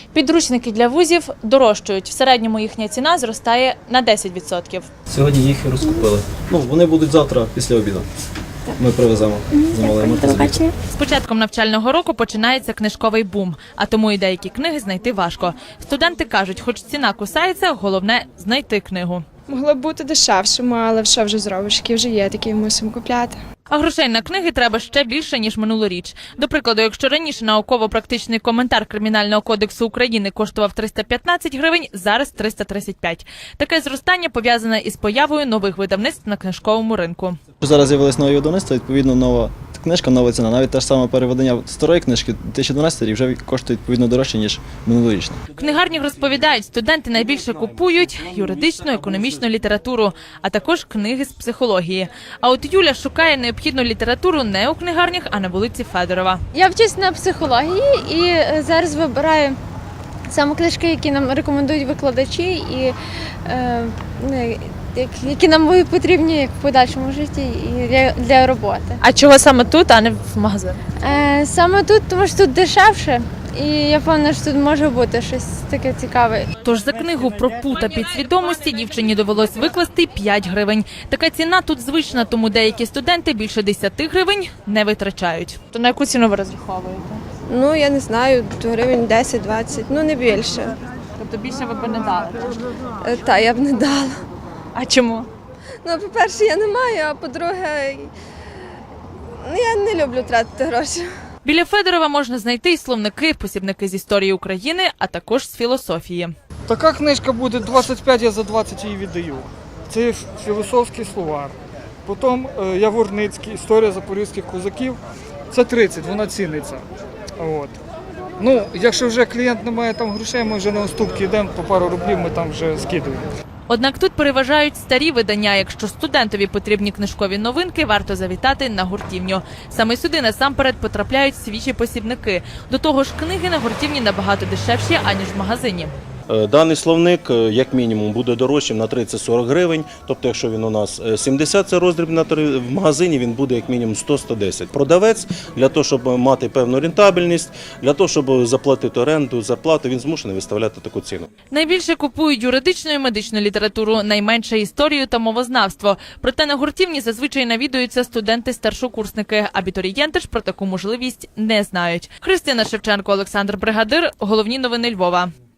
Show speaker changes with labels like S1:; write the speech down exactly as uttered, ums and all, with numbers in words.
S1: Підручники для вузів дорожчають. В середньому їхня ціна зростає на десять відсотків.
S2: Сьогодні їх і розкупили. Ну, вони будуть завтра після обіду. Ми привеземо. Замовимо.
S1: З початком навчального року починається книжковий бум, а тому і деякі книги знайти важко. Студенти кажуть, хоч ціна кусається, головне – знайти книгу.
S3: Могло б бути дешевшим, але що вже зробиш, які вже є, такі мусимо купляти.
S1: А грошей на книги треба ще більше, ніж минулоріч. До прикладу, якщо раніше науково-практичний коментар Кримінального кодексу України коштував триста п'ятнадцять гривень, зараз триста тридцять п'ять. Таке зростання пов'язане із появою нових видавництв на книжковому ринку.
S2: Зараз з'явилось нові видавництва, відповідно, нова книжка, нова ціна. Навіть те ж саме переведення старої книжки дві тисячі дванадцятий рік вже коштує відповідно дорожче, ніж минулорічна.
S1: В книгарнях розповідають, студенти найбільше купують юридичну, економічну літературу, а також книги з психології. А от Юля шукає необхідну літературу не у книгарнях, а на вулиці Федорова.
S4: Я вчусь на психології і зараз вибираю саме книжки, які нам рекомендують викладачі і е, які нам будуть потрібні як в подальшому житті і для, для роботи.
S1: А чого саме тут, а не в магазинах?
S4: Е, саме тут, тому що тут дешевше. І я певна, що тут може бути щось таке цікаве.
S1: Тож за книгу про пута підсвідомості дівчині довелось викласти п'ять гривень. Така ціна тут звична, тому деякі студенти більше десяти гривень не витрачають. То на яку ціну ви розраховуєте?
S5: Ну, я не знаю, гривень десять-двадцять, ну не більше.
S1: Тобто більше ви б не дали?
S5: Е, Та, я б не дала.
S1: А чому?
S5: Ну, по-перше, я не маю, а по-друге, ну, я не люблю тратити гроші.
S1: Біля Федорова можна знайти і словники, посібники з історії України, а також з філософії.
S6: Така книжка буде двадцять п'ять, я за двадцять її віддаю. Це філософський словар. Потім Яворницький, історія запорізьких козаків. Це тридцять, вона ціниться. От. Ну, якщо вже клієнт не має там грошей, ми вже на уступки йдемо, по пару рублів ми там вже скидуємо.
S1: Однак тут переважають старі видання. Якщо студентові потрібні книжкові новинки, варто завітати на гуртівню. Саме сюди насамперед потрапляють свіжі посібники. До того ж, книги на гуртівні набагато дешевші, аніж в магазині.
S7: Даний словник, як мінімум, буде дорожчим на тридцять-сорок гривень. Тобто, якщо він у нас сімдесят, це роздріб, в магазині він буде як мінімум сто-сто десять. Продавець, для того, щоб мати певну рентабельність, для того, щоб заплатити оренду, зарплату, він змушений виставляти таку ціну.
S1: Найбільше купують юридичну і медичну літературу, найменше історію та мовознавство. Проте на гуртівні зазвичай навідуються студенти-старшокурсники. Абітурієнти ж про таку можливість не знають. Христина Шевченко, Олександр Бригадир. Головні новини Львова.